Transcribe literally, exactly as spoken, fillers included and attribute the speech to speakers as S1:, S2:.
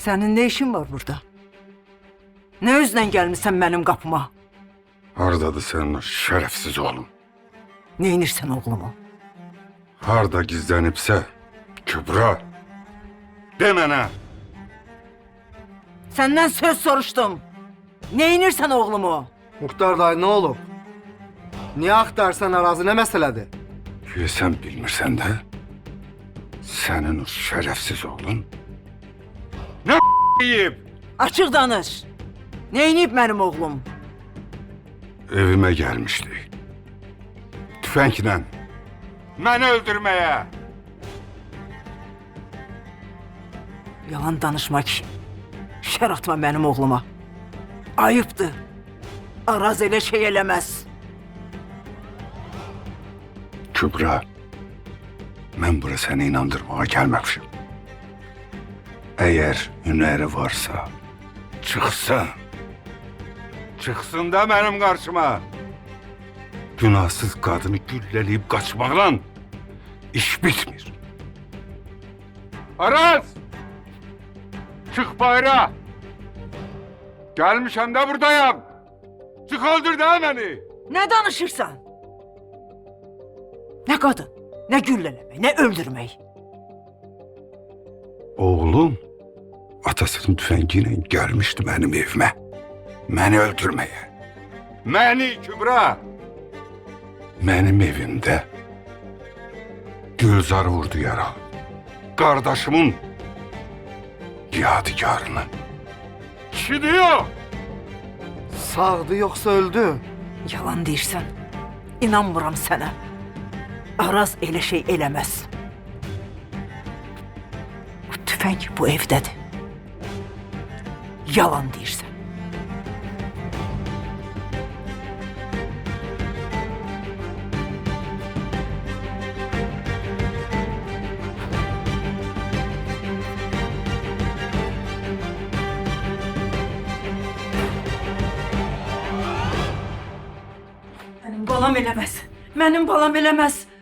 S1: Senin ne işin var burada? Ne yüzden gelmişsen benim kapıma?
S2: Hardadır senin o şerefsiz oğlum?
S1: Ne inirsen oğlumu?
S2: Harda gizlenipse Kübra. De bana.
S1: Senden söz soruştum. Ne inirsen oğlumu?
S3: Muhtar dayı ne olub? Niye aktarsan arazi ne meseledir?
S2: Güya sen bilmirsen de senin o şerefsiz oğlun ne yiyip
S1: Açık danış. Ne inip benim oğlum?
S2: evime gelmişti. Tüfekle beni öldürmeye.
S1: Yalan danışma ki. Şer atma benim oğluma. Ayıptır. Araz öyle şey elemez.
S2: Kübra, ben buraya seni inandırmaya gelmemişim. Eğer hüneri varsa çıksın. Çıksın da benim karşıma. Günahsız kadını gülleleyip kaçmakla iş bitmir. Aras! Çık bayrağa! Gelmişim de buradayım. Çık öldür de beni.
S1: Ne danışırsan? Ne kadın, ne gülleleme, ne öldürmeyi.
S2: Oğlum atasının tüfengiyle gelmişti benim evime. Beni öldürmeye. Beni Kübra. Benim evimde Gülzar vurdu yara. Kardeşimin yadigarını. Kişi diyor.
S3: Sağdı yoksa öldü?
S1: Yalan deyirsən, inanmıram sana. Araz elə şey eləməz. Bu tüfəng bu evdədir. Yalan deyirsən. Mənim balam eləməz. Mənim balam eləməz.